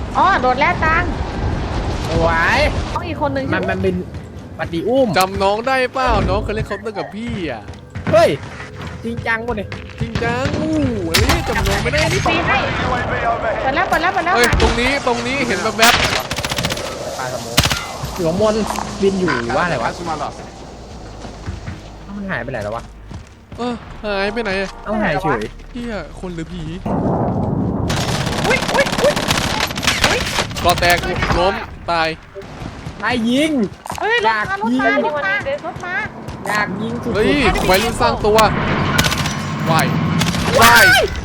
อ๋อโดดแล้วตังสวยต้องอีกคนนึงมันเป็นปฏิอุ้มจำน้องได้เปล่าน้องเคยเล่นเคาน์เตอร์กับพี่อ่ะเฮ้ยจริงจังวะเนี่ยจริงจังอันนี้จำน้องไม่ได้พี่ปีให้ UAV เปิด overhead. แล้วเปิดแล้วเปิดแล้วเฮ้ยค่ะตรงนี้เห็นแบบปลาสโมกอยู่ข้างบนบินอยู่หรือว่าอะไรวะมันหายไปไหนแล้ววะหายไปไหนอะเอาหายเฉยเฮียคนหรือผีอุ้ยอุ้ยอุ้ยกอแตกล้มตายนายยิงเฮ้ยรถมารถมารถมารถมาอยากยิงสุดเฮ้ยๆวัยรุ่นสร้างตัววายวาย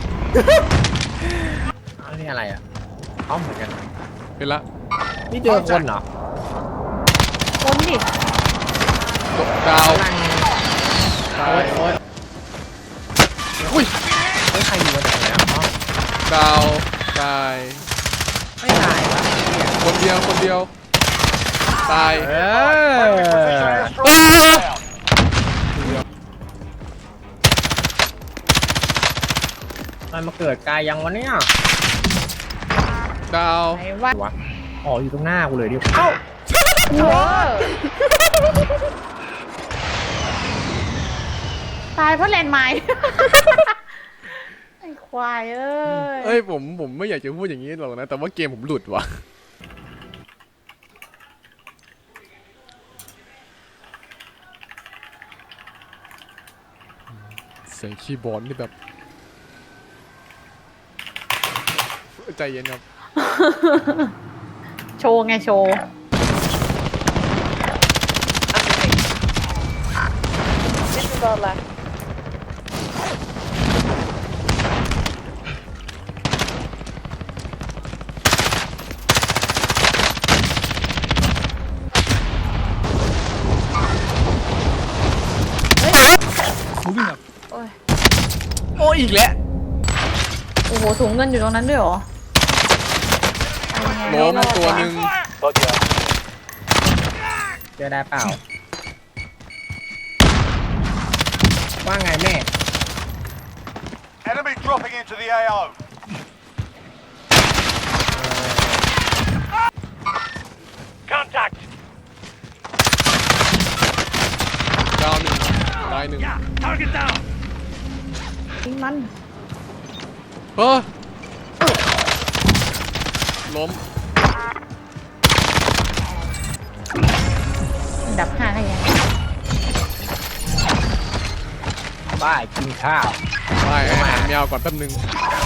อันนี้อะไรอ่ะอ้อมเหมือนกันเป็นละนี่เจอคนเหรอคนดิดาวกำลังตาโอ๊ยยอุ้ยเฮ้ยใครอยู่บนไหนนะอ๋อดาวตายไม่ตายวะคนเดียวตายเอ Position อ is strong. Down. มันมาเกิดกายยังวะเนี่ยดาวไหนวะวะอ๋ออยู่ตรงหน้ากูเลยดิเอ้าเออตายเพราะแลนด์ไมน์ ไอ้ควายเอ้ยเอ้ยผมไม่อยากจะพูดอย่างนี้หรอกนะแต่ว่าเกมผมหลุดว่ะเสียงคีย์บอร์ดนี่แบบใจเย็นครับโชว์ไงโชว์โอ้ยอีกแล้วโอ้โหถุงเงินอยู่ตรงนั้นด้วยเหรอล้มตัวหนึ่ง Roger. เจอได้เปล่า ว่าไงแม่ Enemy dropping into the AO. Contact. ดาวหนึ่งตายหนึ่ง Target down. ยิงมันเฮ้ยล้มดับห้าให้ยังบ้ากินข้าวไปอาหารแมวก่อนแป๊บนึง